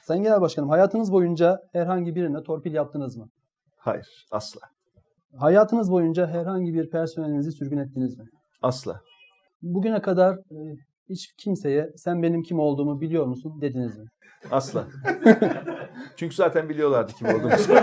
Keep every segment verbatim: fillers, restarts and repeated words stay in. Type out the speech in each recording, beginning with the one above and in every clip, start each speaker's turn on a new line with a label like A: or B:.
A: Sayın Genel Başkanım, hayatınız boyunca herhangi birine torpil yaptınız mı?
B: Hayır, asla.
A: Hayatınız boyunca herhangi bir personelinizi sürgün ettiniz mi?
B: Asla.
A: Bugüne kadar e, hiç kimseye sen benim kim olduğumu biliyor musun dediniz mi?
B: Asla. Çünkü zaten biliyorlardı kim olduğumuzu.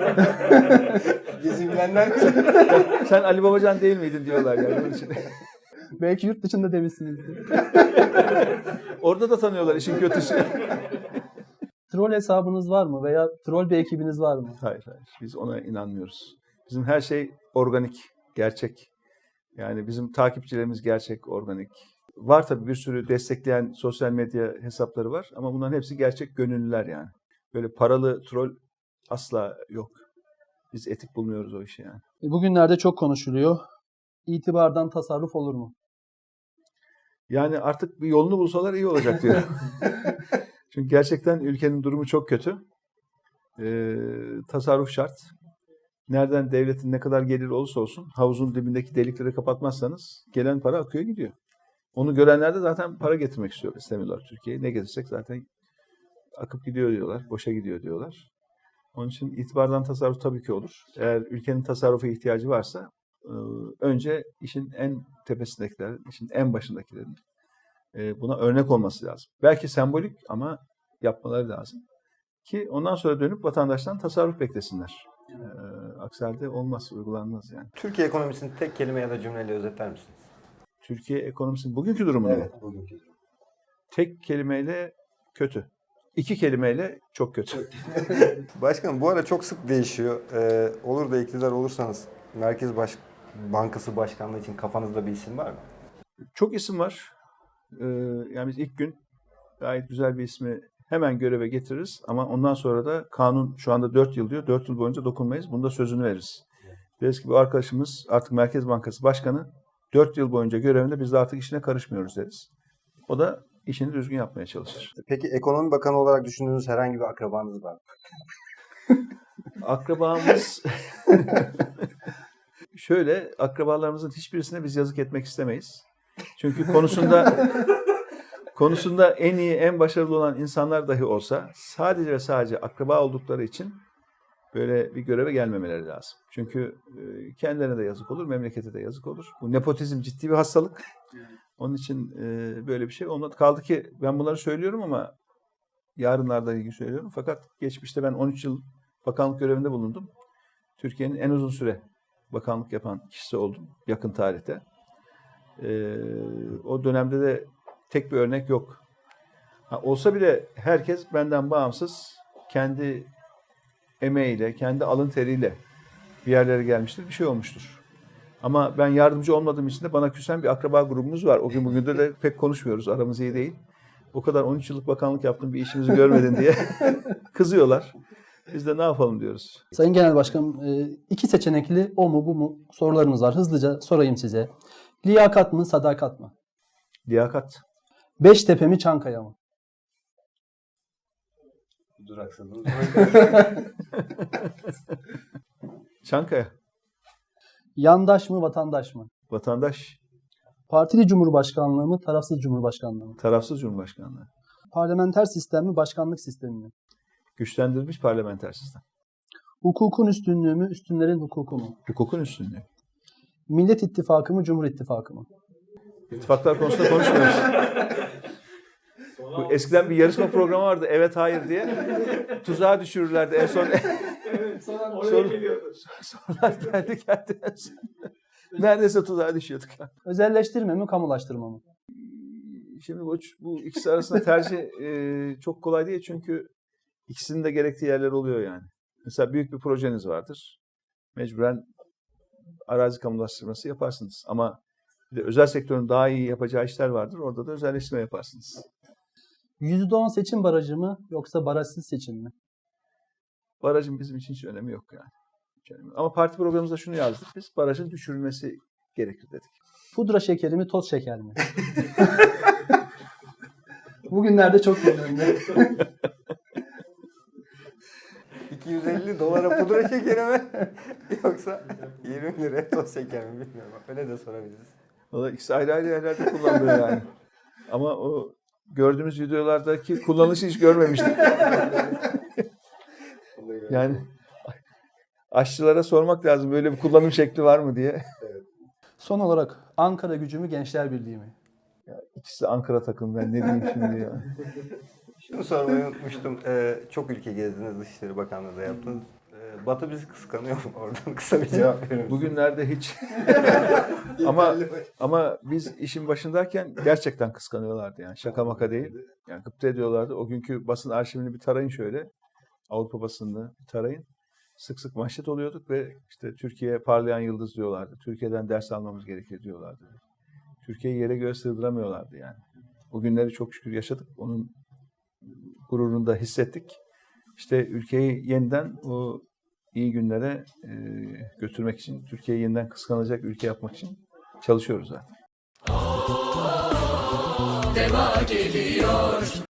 C: Bizi bilenler
B: Sen Ali Babacan değil miydin diyorlar yani. Onun için.
A: Belki yurt dışında demişsinizdir.
B: Orada da tanıyorlar işin kötüsü.
A: Troll hesabınız var mı veya troll bir ekibiniz var mı?
B: Hayır, hayır. Biz ona inanmıyoruz. Bizim her şey organik, gerçek. Yani bizim takipçilerimiz gerçek, organik. Var tabii bir sürü destekleyen sosyal medya hesapları var ama bunların hepsi gerçek gönüllüler yani. Böyle paralı troll asla yok. Biz etik bulmuyoruz o işi yani.
A: E, Bugünlerde çok konuşuluyor. İtibardan tasarruf olur mu?
B: Yani artık bir yolunu bulsalar iyi olacak diyor. Çünkü gerçekten ülkenin durumu çok kötü. Ee, tasarruf şart. Nereden devletin ne kadar gelir olursa olsun havuzun dibindeki delikleri kapatmazsanız gelen para akıyor gidiyor. Onu görenler de zaten para getirmek istiyor, istemiyorlar Türkiye'ye. Ne getirsek zaten akıp gidiyor diyorlar, boşa gidiyor diyorlar. Onun için itibardan tasarruf tabii ki olur. Eğer ülkenin tasarrufa ihtiyacı varsa önce işin en tepesindekilerin, işin en başındakilerin buna örnek olması lazım. Belki sembolik ama yapmaları lazım. Ki ondan sonra dönüp vatandaştan tasarruf beklesinler. Aksi halde olmaz, uygulanmaz yani.
C: Türkiye ekonomisini tek kelime ya da cümleyle özetler misiniz?
B: Türkiye ekonomisinin bugünkü durumu
C: Evet, bugünkü durum.
B: Tek kelimeyle kötü. İki kelimeyle çok kötü.
C: Başkanım bu ara çok sık değişiyor. Ee, olur da iktidar olursanız Merkez Baş Bankası Başkanlığı için kafanızda bir isim var mı?
B: Çok isim var. Ee, yani biz ilk gün gayet güzel bir ismi hemen göreve getiririz. Ama ondan sonra da kanun şu anda dört yıl diyor. dört yıl boyunca dokunmayız. Bunda sözünü veririz. Deriz ki bu arkadaşımız artık Merkez Bankası Başkanı dört yıl boyunca görevinde biz de artık işine karışmıyoruz deriz. O da işini düzgün yapmaya çalışır.
C: Peki Ekonomi Bakanı olarak düşündüğünüz herhangi bir akrabanız var mı?
B: Akrabamız şöyle, akrabalarımızın hiçbirisine biz yazık etmek istemeyiz. Çünkü konusunda konusunda en iyi, en başarılı olan insanlar dahi olsa sadece ve sadece akraba oldukları için böyle bir göreve gelmemeleri lazım. Çünkü kendilerine de yazık olur, memlekete de yazık olur. Bu nepotizm ciddi bir hastalık. Onun için böyle bir şey olmadı. Kaldı ki ben bunları söylüyorum ama yarınlarda ilgili söylüyorum. Fakat geçmişte ben on üç yıl bakanlık görevinde bulundum. Türkiye'nin en uzun süre bakanlık yapan kişisi oldum yakın tarihte. O dönemde de tek bir örnek yok. Ha, olsa bile herkes benden bağımsız kendi emeğiyle, kendi alın teriyle bir yerlere gelmiştir, bir şey olmuştur. Ama ben yardımcı olmadığım için de bana küsen bir akraba grubumuz var. O gün bugün de, de pek konuşmuyoruz, aramız iyi değil. O kadar on üç yıllık bakanlık yaptım, bir işimizi görmedin diye kızıyorlar. Biz de ne yapalım diyoruz.
A: Sayın Genel Başkanım, iki seçenekli o mu bu mu sorularımız var. Hızlıca sorayım size. Liyakat mı, sadakat mı?
B: Liyakat.
A: Beştepe mi, Çankaya mı?
C: Duraksadınız.
B: Çankaya.
A: Yandaş mı, vatandaş mı?
B: Vatandaş.
A: Partili Cumhurbaşkanlığı mı, tarafsız Cumhurbaşkanlığı mı?
B: Tarafsız Cumhurbaşkanlığı.
A: Parlamenter sistem mi, başkanlık sistemi mi?
B: Güçlendirilmiş parlamenter sistem.
A: Hukukun üstünlüğü mü, üstünlerin hukuku mu?
B: Hukukun üstünlüğü.
A: Millet İttifakı mı, Cumhur İttifakı mı?
B: İttifaklar konusunda konuşmuyoruz. Bu eskiden bir yarışma programı vardı, evet hayır diye. Tuzağa düşürürlerdi en son.
D: Evet, sonra oraya
B: Soru,
D: geliyordu.
B: sorular geldi geldi. Neredeyse tuzağa düşüyorduk.
A: Özelleştirme mi, kamulaştırma mı?
B: Şimdi bu, bu ikisi arasında tercih e, çok kolay değil çünkü ikisinin de gerektiği yerler oluyor yani. Mesela büyük bir projeniz vardır. Mecburen arazi kamulaştırması yaparsınız. Ama bir de özel sektörün daha iyi yapacağı işler vardır. Orada da özelleştirme yaparsınız.
A: yüzde on seçim barajı mı yoksa barajsız seçim mi?
B: Barajın bizim için hiç önemi yok yani. Hiç önemi yok. Ama parti programımızda şunu yazdık biz. Barajın düşürülmesi gerekir dedik.
A: Pudra şekeri mi, toz şeker mi? Bugünlerde çok önemli.
C: iki yüz elli dolara pudra şekeri mi? Yoksa yirmi liraya toz şeker mi bilmiyorum. Öyle de sorabiliriz.
B: Valla ikisi ayrı ayrı yerlerde kullanılıyor yani. Ama o gördüğümüz videolardaki kullanışı hiç görmemiştik. Yani aşçılara sormak lazım böyle bir kullanım şekli var mı diye.
A: Son olarak Ankara Gücü mü Gençler Birliği mi?
B: İkisi de Ankara takımı, ben ne diyeyim şimdi ya.
C: Şunu sormayı unutmuştum. Ee, çok ülke gezdiniz, Dışişleri Bakanlığı da yaptınız. Ee, Batı bizi kıskanıyor mu? Oradan kısa bir cevap verir misiniz?
B: Bugünlerde hiç. ama ama biz işin başındayken gerçekten kıskanıyorlardı yani. Şaka maka değil. Yani gıpta ediyorlardı. O günkü basın arşivini bir tarayın şöyle. Avrupa basınını bir tarayın. Sık sık manşet oluyorduk ve işte Türkiye parlayan yıldız diyorlardı. Türkiye'den ders almamız gerekir diyorlardı. Türkiye'yi yere göğe sığdıramıyorlardı yani. O günleri çok şükür yaşadık. Onun gururunu da hissettik. İşte ülkeyi yeniden o iyi günlere e, götürmek için, Türkiye'yi yeniden kıskanacak ülke yapmak için çalışıyoruz zaten.
D: Deva geliyor.